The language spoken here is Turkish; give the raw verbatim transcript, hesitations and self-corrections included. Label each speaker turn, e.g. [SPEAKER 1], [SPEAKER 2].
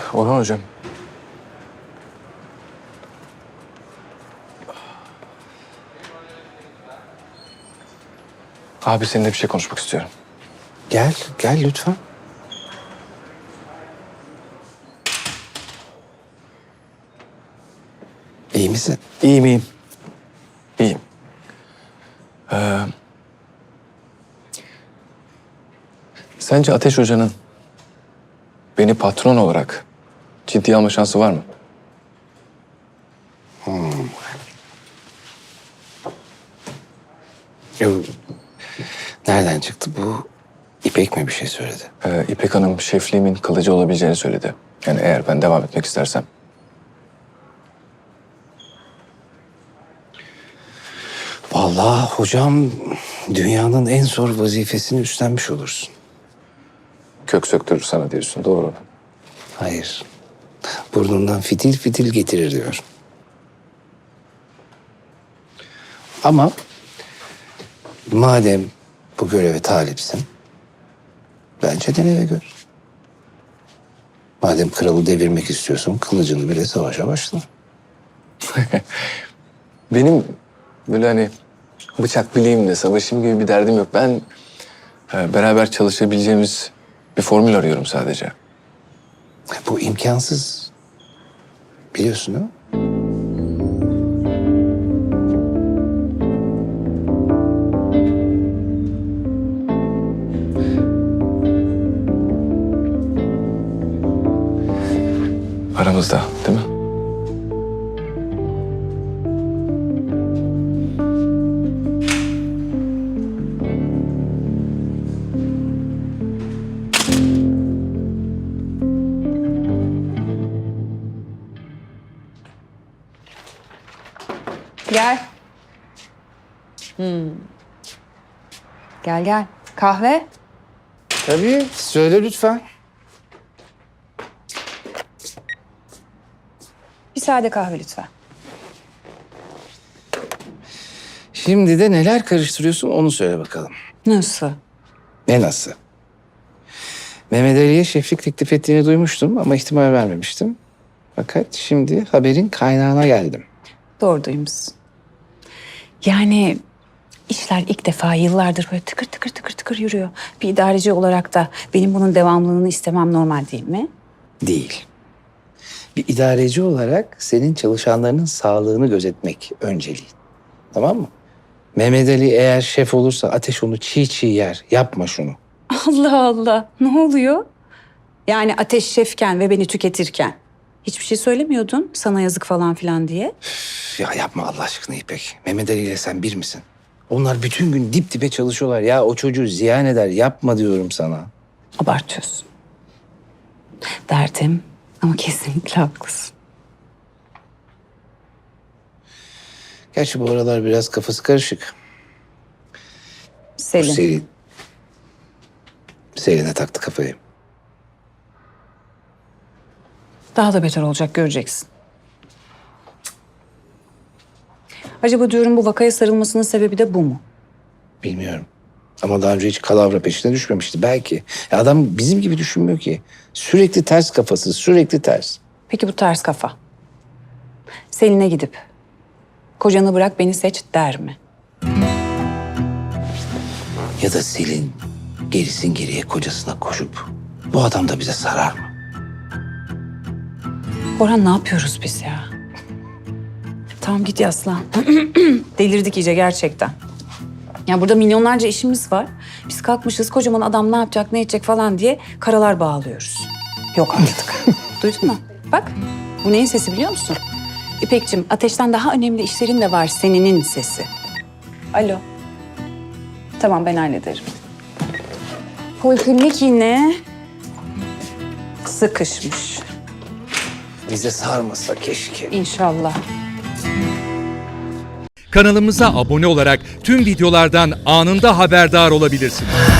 [SPEAKER 1] Orhan hocam. Abi seninle bir şey konuşmak istiyorum.
[SPEAKER 2] Gel, gel lütfen. İyi misin?
[SPEAKER 1] İyiyim, iyiyim. İyiyim. Ee, sence Ateş Hoca'nın beni patron olarak ciddiye alma şansı var mı?
[SPEAKER 2] Yok. Nereden çıktı bu? İpek mi bir şey söyledi?
[SPEAKER 1] Ee, İpek Hanım şefliğimin kalıcı olabileceğini söyledi. Yani eğer ben devam etmek istersem.
[SPEAKER 2] Vallahi hocam dünyanın en zor vazifesini üstlenmiş olursun.
[SPEAKER 1] Kök söktürür sana diyorsun, doğru.
[SPEAKER 2] Hayır. Burnundan fitil fitil getirir diyor. Ama madem bu göreve talipsin, bence dene ve gör. Madem kralı devirmek istiyorsun, kılıcını bile savaşa başla.
[SPEAKER 1] Benim böyle hani bıçak bileğimle savaşayım gibi bir derdim yok. Ben e, beraber çalışabileceğimiz bir formül arıyorum sadece.
[SPEAKER 2] Bu imkansız. Biliyorsun değil mi?
[SPEAKER 1] Aramızda, değil mi?
[SPEAKER 3] Gel. Hmm. Gel gel. Kahve.
[SPEAKER 2] Tabii. Söyle lütfen.
[SPEAKER 3] Bir sade kahve lütfen.
[SPEAKER 2] Şimdi de neler karıştırıyorsun onu söyle bakalım.
[SPEAKER 3] Nasıl?
[SPEAKER 2] Ne nasıl? Mehmet Ali'ye şeflik teklif ettiğini duymuştum ama ihtimal vermemiştim. Fakat şimdi haberin kaynağına geldim.
[SPEAKER 3] Doğru duymuşsun. Yani işler ilk defa yıllardır böyle tıkır tıkır tıkır tıkır yürüyor. Bir idareci olarak da benim bunun devamlılığını istemem normal değil mi?
[SPEAKER 2] Değil. Bir idareci olarak senin çalışanlarının sağlığını gözetmek önceliğin. Tamam mı? Mehmet Ali eğer şef olursa Ateş onu çiğ çiğ yer. Yapma şunu.
[SPEAKER 3] Allah Allah. Ne oluyor? Yani Ateş şefken ve beni tüketirken hiçbir şey söylemiyordun sana yazık falan filan diye.
[SPEAKER 2] Üf, ya yapma Allah aşkına İpek. Mehmet Ali ile sen bir misin? Onlar bütün gün dip dibe çalışıyorlar. Ya o çocuğu ziyan eder. Yapma diyorum sana.
[SPEAKER 3] Abartıyorsun. Derdim ama kesinlikle haklısın.
[SPEAKER 2] Gerçi bu aralar biraz kafası karışık. Bu
[SPEAKER 3] Selin.
[SPEAKER 2] Selin. Selin'e taktı kafayı.
[SPEAKER 3] Daha da beter olacak göreceksin. Acaba diyorum bu vakaya sarılmasının sebebi de bu mu?
[SPEAKER 2] Bilmiyorum. Ama daha önce hiç kalavra peşine düşmemişti. Belki. Ya adam bizim gibi düşünmüyor ki. Sürekli ters kafası, sürekli ters.
[SPEAKER 3] Peki bu ters kafa. Selin'e gidip kocanı bırak beni seç der mi?
[SPEAKER 2] Ya da Selin gerisin geriye kocasına koşup bu adam da bize sarar mı?
[SPEAKER 3] Orhan ne yapıyoruz biz ya? Tamam git yaslan. Delirdik iyice gerçekten. Ya burada milyonlarca işimiz var. Biz kalkmışız kocaman adam ne yapacak ne edecek falan diye karalar bağlıyoruz. Yok artık. Duydun mu? Bak bu neyin sesi biliyor musun? İpekçim ateşten daha önemli işlerin de var seninin sesi. Alo. Tamam ben hallederim. Poliklinik yine sıkışmış.
[SPEAKER 2] Bize sarmasa keşke.
[SPEAKER 3] İnşallah.
[SPEAKER 4] Kanalımıza abone olarak tüm videolardan anında haberdar olabilirsiniz.